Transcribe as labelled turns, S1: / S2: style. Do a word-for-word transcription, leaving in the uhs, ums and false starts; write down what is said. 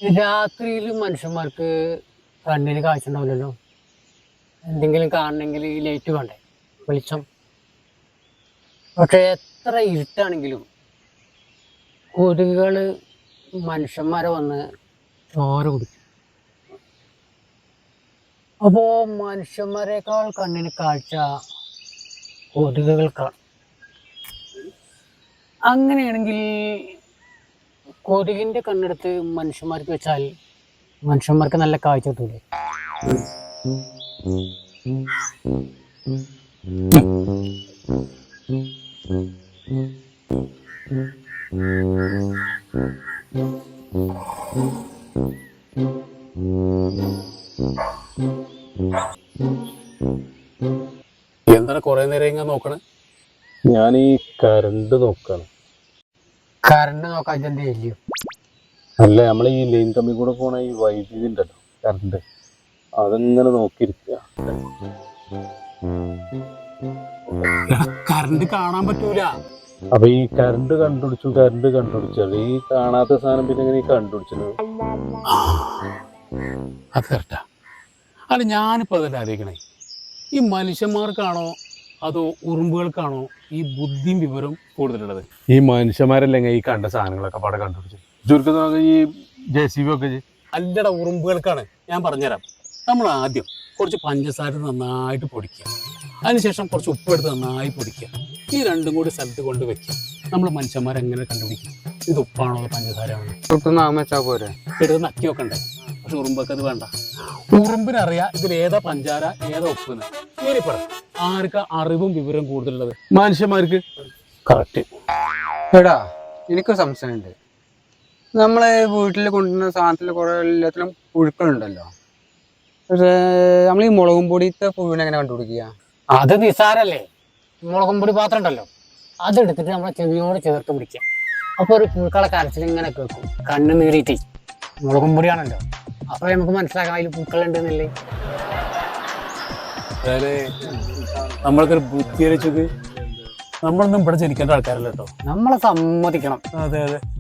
S1: രാത്രിയിൽ മനുഷ്യന്മാർക്ക് കണ്ണിന് കാഴ്ച ഉണ്ടാവില്ലല്ലോ. എന്തെങ്കിലും കാണണമെങ്കിൽ ഈ ലൈറ്റ് വേണ്ടേ, വെളിച്ചം. പക്ഷെ എത്ര ഇരുട്ടാണെങ്കിലും കൊതുകുകൾ മനുഷ്യന്മാരെ വന്ന് ചോര കുടിക്കും. അപ്പോൾ മനുഷ്യന്മാരെക്കാൾ കണ്ണിന് കാഴ്ച കൊതുകുകൾക്കാണ്. അങ്ങനെയാണെങ്കിൽ കൊതുകിൻ്റെ കണ്ണെടുത്ത് മനുഷ്യന്മാർക്ക് വെച്ചാൽ മനുഷ്യന്മാർക്ക് നല്ല കാഴ്ച കിട്ടൂലേ?
S2: എന്താണ് കൊറേ നേരം ഇങ്ങനെ നോക്കണേ?
S3: ഞാൻ ഈ കറണ്ട് നോക്കാണ്.
S1: കറണ്ട് നോക്കാൻ എന്ത് ചെയ്യോ?
S3: അല്ല, നമ്മളെ ഈ ലൈൻ കമ്പി കൂടെ പോണ ഈ വൈദ്യുതി ഉണ്ടല്ലോ, കറണ്ട്, അതെങ്ങനെ നോക്കിയിരിക്കുക.
S2: കറണ്ട് കാണാൻ പറ്റൂല.
S3: അപ്പൊ ഈ കറണ്ട് കണ്ടുപിടിച്ചു കറണ്ട് കണ്ടുപിടിച്ചത് ഈ കാണാത്ത സാധനം പിന്നെ എങ്ങനെ കണ്ടുപിടിച്ചത്?
S2: അത് കറക്റ്റാ. അല്ല, ഞാനിപ്പോ അതല്ല ആലോചിക്കണേ, ഈ മനുഷ്യന്മാർക്കാണോ അതോ ഉറുമ്പുകൾക്കാണോ ഈ ബുദ്ധിയും വിവരം കൂടുതലുള്ളത്?
S3: ഈ മനുഷ്യന്മാരല്ലെങ്കിൽ ഈ കണ്ട സാധനങ്ങളൊക്കെ പാടെ കണ്ടുപിടിച്ചു. ചുരുക്കം ഈ ജെ സി ബി ഒക്കെ
S2: അല്ലട, ഉറുമ്പുകൾക്കാണ്. ഞാൻ പറഞ്ഞുതരാം. നമ്മൾ ആദ്യം കുറച്ച് പഞ്ചസാര നന്നായിട്ട് പൊടിക്കുക, അതിനുശേഷം കുറച്ച് ഉപ്പെടുത്ത് നന്നായി പൊടിക്കുക. ഈ രണ്ടും കൂടി സ്ഥലത്ത് കൊണ്ട് വെക്കുക. നമ്മൾ മനുഷ്യന്മാരെങ്ങനെ കണ്ടുപിടിക്കും ഇത് ഉപ്പാണോ അതോ പഞ്ചസാരയാണോ?
S1: വെച്ചാൽ പോരെ,
S2: എടുത്ത് നക്കി വെക്കണ്ടേ? പക്ഷെ ഉറുമ്പൊക്കെ അത് വേണ്ട. ഉറുമ്പിനറിയാം ഇതിൽ ഏതാ പഞ്ചാര ഏതാ ഉപ്പെന്ന്. ഇനി പറ, ആർക്കാ അറിവും വിവരം കൂടുതലുള്ളത്?
S3: മനുഷ്യന്മാർക്ക്.
S2: കറക്റ്റ്.
S1: എടാ, എനിക്കൊരു സംശയമുണ്ട്. നമ്മളെ വീട്ടിൽ കൊണ്ടുവരുന്ന സാധനത്തിൽ കുറെ എല്ലാത്തിലും പുഴുക്കളുണ്ടല്ലോ. പക്ഷേ നമ്മൾ ഈ മുളകും പൊടിയത്തെ പുഴുവിനെ എങ്ങനെ കണ്ടുപിടിക്കുക? അത് നിസാരല്ലേ. മുളകും പൊടി പാത്രം ഉണ്ടല്ലോ, അതെടുത്തിട്ട് നമ്മളെ ചെവിയോട് ചേർത്ത് പിടിക്കുക. അപ്പോൾ ഒരു പുഴുക്കളെ കരച്ചിൽ ഇങ്ങനെ കേൾക്കും, കണ്ണ് നീറിയിട്ട്. മുളകും പൊടിയാണല്ലോ, അപ്പോൾ നമുക്ക് മനസ്സിലാക്കാം അതിൽ പുഴുക്കളുണ്ടെന്നില്ലേ.
S2: അതായത് നമ്മൾക്കൊരു ബുദ്ധി വെച്ചത് നമ്മളൊന്നും ഇവിടെ ജനിക്കേണ്ട ആൾക്കാരല്ല കേട്ടോ.
S1: നമ്മളെ സമ്മതിക്കണം.
S2: അതെ അതെ